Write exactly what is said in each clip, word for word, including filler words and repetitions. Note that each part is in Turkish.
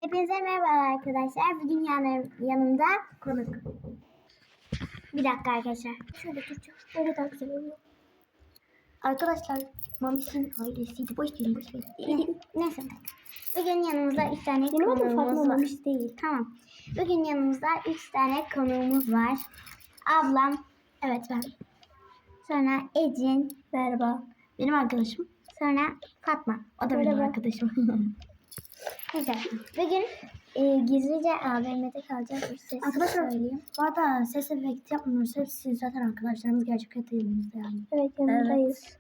Hepinize merhaba arkadaşlar. Bugün yanım, yanımda konuk. Bir dakika arkadaşlar. Şöyle duracağım. Böyle daha güzel oluyor. Arkadaşlar Mamiş'in ailesiydi. Boş verin boş verin. Neyse. Bugün yanımızda üç tane konuğumuz var. Mamiş değil. Tamam. Bugün yanımızda üç tane konuğumuz var. Ablam. Evet ben. Sonra Ecin. Merhaba. Benim arkadaşım. Sonra Fatma. O da benim merhaba. Arkadaşım. Neyse. Bugün e, gizlice A V M'de kalacağız. Ses arkadaşlar söyleyeyim. Bu arada ses efekti yapmıyoruz. Hepsi zaten arkadaşlarımız gerçek hayatımızda yani. Evet yanındayız. Evet.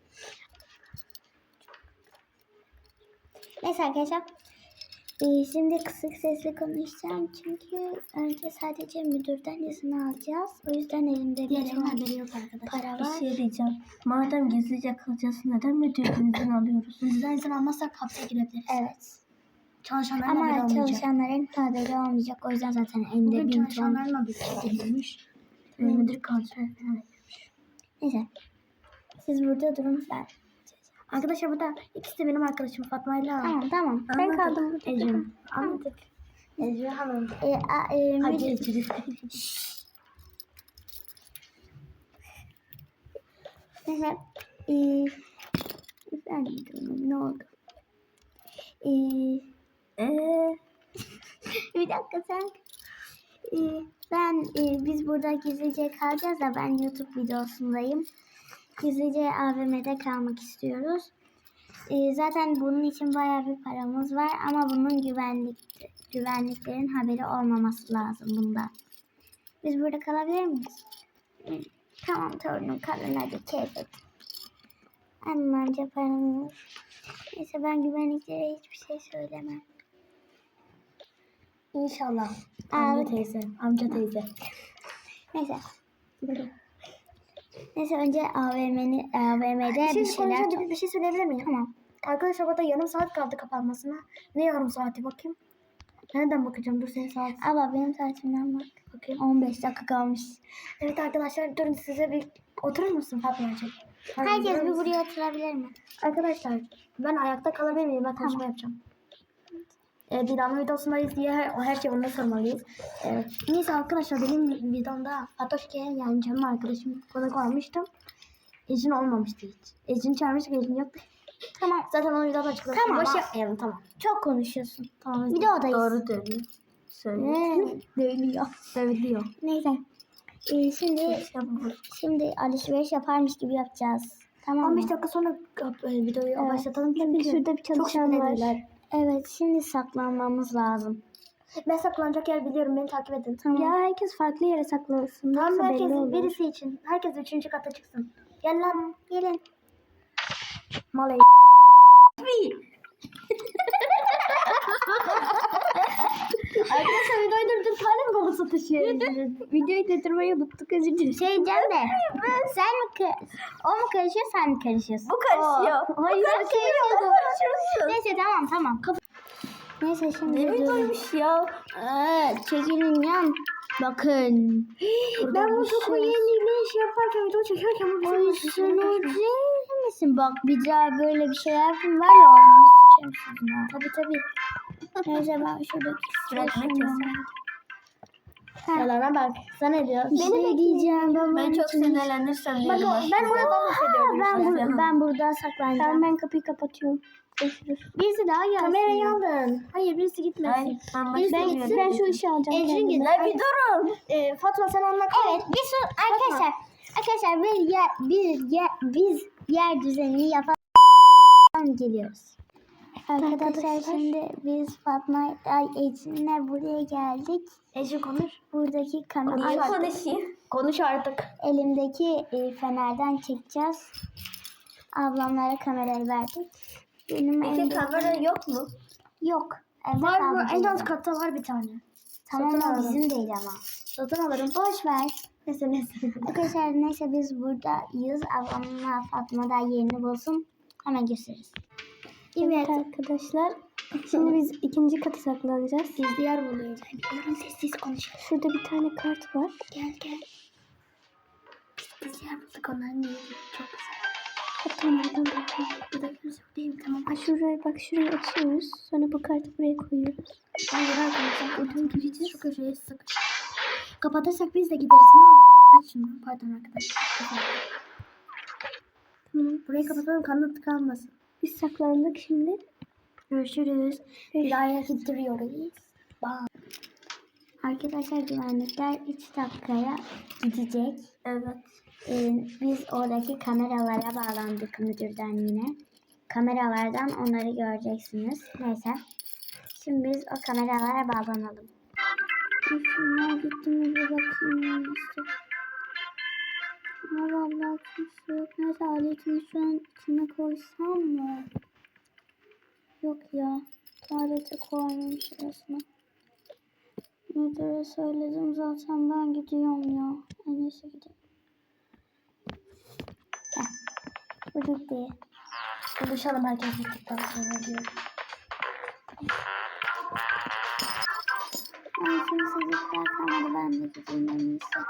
Neyse arkadaşlar. E, şimdi kısık sesle konuşacağım. Çünkü önce sadece müdürden izin alacağız. O yüzden elimde bir haberi yok arkadaşlar. Para var. Bir şey diyeceğim. Madem gizlice kalacağız neden müdürden izin alıyoruz? Müdürden izin almazsak hapse girebiliriz. Evet. Çalışanların ama haberi olmayacak. çalışanların haberi olmayacak. O yüzden zaten elimde Bugün bin ton. çalışanların haberi edilmiş. Hmm. Müdür kalacak. Neyse. Siz burada durun ben. Arkadaşlar burada ikisi de benim arkadaşım Fatma'yla. Tamam tamam. Ben kaldım burada. Ecem. Anladık. Ecem Hanım. E, a, e, Hadi müdür... Ecem. Neyse. E, efendim ne oldu? Eee Ee, bir dakika sen. Ee, ben e, biz burada gizlice kalacağız da ben YouTube videosundayım. Gizlice A V M'de kalmak istiyoruz. Ee, zaten bunun için bayağı bir paramız var ama bunun güvenlik güvenliklerin haberi olmaması lazım bunda. Biz burada kalabilir miyiz? Ee, tamam torunum kalın hadi keyfet. Anlamca paranız. Neyse ben güvenliklere hiçbir şey söylemem. İnşallah. Amca Evet. teyze. Amca teyze. Neyse. Neyse önce A V M'ni A V M'de Bir şey, bir şeyler... bir, bir şey söyleyebilir miyim? Tamam. Arkadaşlar burada yarım saat kaldı kapanmasına. Ne yarım saati bakayım? Nereden bakacağım? Dur senin saat. Abla benim saatimden bak. Bakayım. on beş dakika kalmış. Evet arkadaşlar durun size bir oturur musun Fatma'cığım? Herkes bir buraya oturabilir mi? Arkadaşlar ben ayakta kalabilir miyim? Ben konuşma Tamam. yapacağım. Ee, Didam'ın videosundayız diye her, her şeyi ona sormalıyız. Ee, neyse arkadaşlar benim videomda Fatoşke'ye yani canım arkadaşım konuk almıştım. Ecin olmamıştı hiç. Ecin çağırmıştık, Ecin yoktu. Tamam. Zaten onu videoda açıkladım. Tamam. Boş yapmayalım tamam. Çok konuşuyorsun. Tamam. Videodayız. Doğru dönüyor. Söylüyor. Ne? Söylüyor. Söylüyor. Neyse. Ee, şimdi İşte bu. şimdi alışveriş yaparmış gibi yapacağız. Tamam mı? on beş dakika sonra e, videoyu Evet. başlatalım. Çünkü Şurada bir çok çalışan var. şüpheliler. Evet şimdi saklanmamız lazım. Ben saklanacak yer biliyorum. Beni takip edin. Tamam. Ya herkes farklı yere saklansın. Tamam Yoksa herkes belli olur. birisi için. Herkes üçüncü kata çıksın. Gel lan. Gelin. Malay. Arkadaşlar videoyu durdur. Tane mi balı satışı? Videoyu durdurmayı unuttuk özür dilerim. Şey diyeceğim de sen mi ka- o mu karışıyor sen mi karışıyorsun? Bu karışıyor. O. Hayır sen karışıyorsun. Neyse tamam tamam. Neyse şimdi Ne videoyu- videoymuş ya? Ee, çekilin yan. Bakın. Ben bu bir çok şey- yeni bir şey yaparken video çekerken bu bir Ay şey sen yapmış. öyle misin? Bak bir daha böyle bir şey yapayım var ya ağzını sıçarım sizin ha. Tabii tabii. Neyse ben şuradaki Üretmek sıçrayım. yasak. Yalana bak. Sen ne diyorsun? Bir şey diyeceğim. Ben, Ben çok sinirlendim. sinirlenirsem Bak o, ben buradan bahsediyorum. Ben, işte. bur- ben burada saklanacağım. Tamam, ben kapıyı kapatıyorum. Birisi daha gelsin. Kamerayı aldın. Hayır birisi gitmesin. Ben, Birisi ben, gitsin. ben şu işi alacağım. Ecrin kendime. gitsin. Bir durun. Ee, Fatma sen onunla kal. Evet bir sor arkadaşlar. Arkadaşlar bir yer, bir yer, biz yer düzenini yapalım geliyoruz. Arkadaşlar, Arkadaşlar. şimdi biz Fatma ay Ecrin'le buraya geldik. Ecrin konuş. Buradaki kamera Konuş artık. Konuş artık. elimdeki e, fenerden çekeceğiz. Ablamlara kamerayı verdik. Benim Peki elimde- kamera yok mu? yok. Evde Var kaldı mı? En bizim. alt katta var bir tane. Tamam Satın o alırım. bizim değil ama. Satın alırım. Boş ver. Neyse neyse. Arkadaşlar neyse biz buradayız. Ablamla Fatma da yerini bulsun. Hemen gösteririz. Evet arkadaşlar. Şimdi biz ikinci katı saklanacağız. Gizli yer buluyoruz. Yarın sessiz konuşalım. Şurada bir tane kart var. Gel gel. Biz gizli yer bulduk onların yeri. Çok güzel. Tamam tamam tamam. Bir dakika söyleyeyim tamam. Ha şuraya bak şurayı açıyoruz. Sonra bu kartı buraya koyuyoruz. Hayır arkadaşlar oradan gireceğiz şu köşeye sık. Kapatırsak biz de gideriz ha. Aç şunu pardon arkadaşlar. Tamam. Burayı kapatalım kanıt kalmasın. Biz saklandık şimdi. Görüşürüz. Bir aya gittiriyoruz. Bye. Arkadaşlar güvenlikler üç dakikaya gidecek. Evet. Ee, biz oradaki kameralara bağlandık müdürden yine. Kameralardan onları göreceksiniz. Neyse. Şimdi biz o kameralara bağlanalım. Şunlar gitti mi bir bakayım işte. Ama vallahi kimse yok. Neyse aletimi şu an içine koysam mı? Yok ya. Tuvalete koymamış resmen. Müdüre söyledim zaten ben gidiyorum ya. En iyisi gideyim. Heh. Bu gitti. Buluşalım herkes gittikten sonra diyor. Ay kimsecikler kalmadı ben de gideyim en iyisi.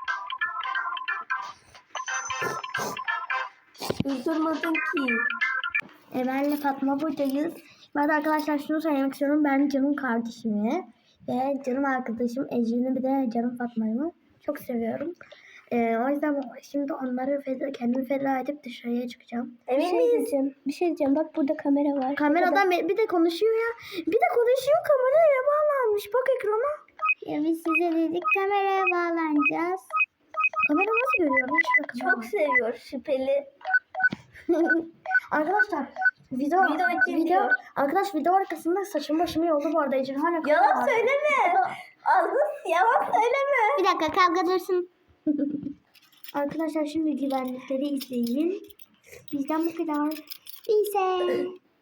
Durdurmadın ki. E benle Fatma buradayız. Ben de arkadaşlar şunu söylemek istiyorum. Ben canım kardeşimi ve canım arkadaşım Ece'ni bir de canım Fatma'yı çok seviyorum. E, o yüzden şimdi onları feda, kendimi feda edip dışarıya çıkacağım. Bir şey diyeceğim. Bir şey diyeceğim. Bak burada kamera var. Kameradan bir bir de konuşuyor ya. Bir de konuşuyor kameraya bağlanmış. Bak ekrana. Ya biz size dedik kameraya bağlanacağız. Kamera nasıl görüyor? Hiç bakın. Çok seviyor şüpheli. Arkadaşlar video Video için video diyor. arkadaş video arkasında saçım başımı yoldu bu arada Ece'nin hala Yalan söyleme. Ağzın yalan söyleme. Bir dakika kavga dursun. Arkadaşlar şimdi güvenlikleri izleyin. Bizden bu kadar. Neyse.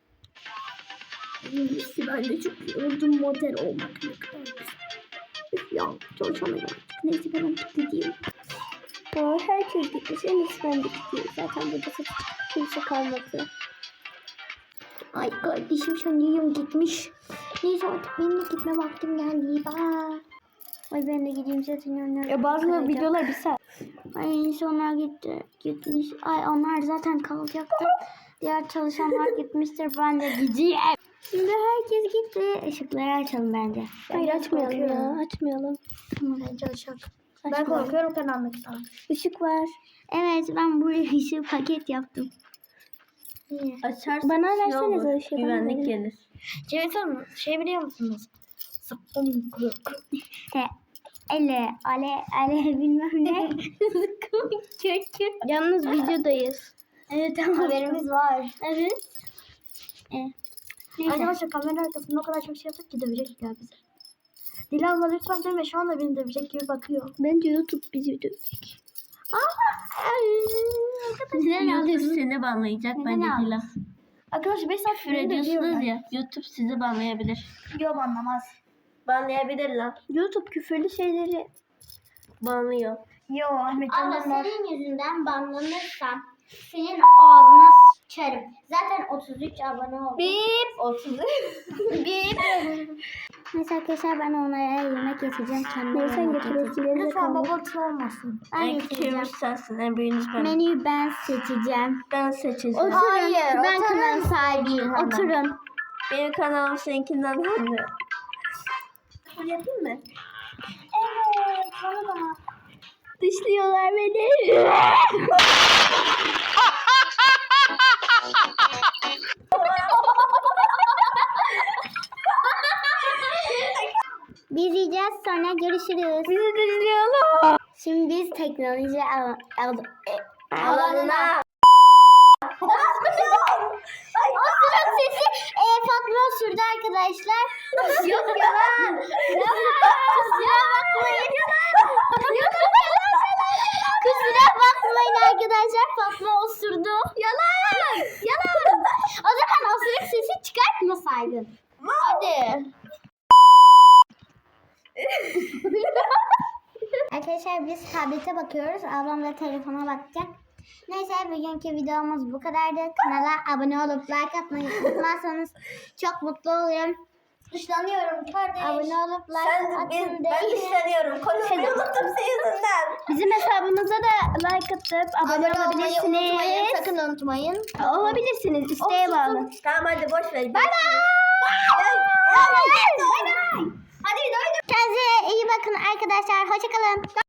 İyisi ben de çok yoruldum model olmak ne kadar güzel. Üf ya çalışamıyorum artık. Neyse ben artık gideyim. Ya, herkes gitmiş. En iyisi ben de gideyim. Zaten burada kimse kalmadı. Ay kardeşim sanıyorum gitmiş. Neyse artık benim de gitme vaktim geldi. Bye. Ay ben de gideyim zaten onlar. Ya bazı kalacak. videolar bir saat. Ay en iyisi onlar gitti. Gitmiş. Ay onlar zaten kalacaktı. Diğer çalışanlar gitmiştir. Ben de gideyim. Şimdi herkes gitti. Işıkları açalım bence. Hayır, açmayalım ya, Açmayalım. Tamam bence açalım. Ben Açmayalım. korkuyorum karanlıktan. Işık var. Evet ben buraya ışığı paket yaptım. Niye? Açarsın. Bana şey versenize olur, o ışığı, bana Güvenlik verin. gelir. Cevdet Hanım şey biliyor musunuz? Zıkkım kırık. He. Ele, ale, ale bilmem ne. Zıkkım kökü. Yalnız videodayız. Evet tamam. Haberimiz var. Evet. E. Neyse. Arkadaşlar kamera arkasında o kadar çok şey yaptık ki dövecekler bizi. Dila abla lütfen deme şu anda beni dövecek gibi bakıyor. Bence YouTube bizi dövecek. YouTube seni banlayacak Neden bence aldın? Dila. Arkadaşlar beş saat Küfür ediyorsunuz ya. YouTube sizi banlayabilir. Yok anlamaz. Banlayabilir lan. YouTube küfürlü şeyleri. Banlıyor. Yo Ahmet Ama Can'dan var. senin yüzünden banlanırsam senin ağzına sıçarım. Zaten otuz üç abone oldum. Bip. otuz. Bip. Neyse arkadaşlar ben onlara yemek getireceğim. Kendime Neyse yemek getiriyorsun. getireceğim. Lütfen babası olmasın. Ben En getireceğim. küçüğümüz sensin. En büyüğünüz ben. Menüyü ben seçeceğim. Ben seçeceğim. Oturun. Hayır, ben oturun. kanal sahibiyim. Hemen. Oturun. Benim kanalım seninkinden hızlı. Bunu yapayım mı? Evet. Bana bak. Dışlıyorlar beni. Biz yiyeceğiz sonra görüşürüz. Bizi dışlıyorlar. Şimdi biz teknoloji al al Alanına. O sırada sesi e, Fatma sürdü arkadaşlar. Yok yalan. Kusura bakmayın. Yok yalan. Kusura bakmayın arkadaşlar. Fatma osurdu. Yalan. Yalan. O zaman osuruk sesi çıkartmasaydın. Hadi. Arkadaşlar biz tablete bakıyoruz. Ablam da telefona bakacak. Neyse bugünkü videomuz bu kadardı. Kanala abone olup like atmayı unutmazsanız çok mutlu olurum. Dışlanıyorum kardeş. Abone olup like Sen, atın ben, ben değil. dışlanıyorum. Konuşmayı unuttum senin yüzünden. Bizim hesabımıza da like atıp abone, Abone olmayı unutmayın. olabilirsiniz. Sakın unutmayın. Olabilirsiniz. İsteğe bağlı. Tamam hadi boş ver. Bye bye. Hadi doydum. Kendinize iyi bakın arkadaşlar. Hoşçakalın.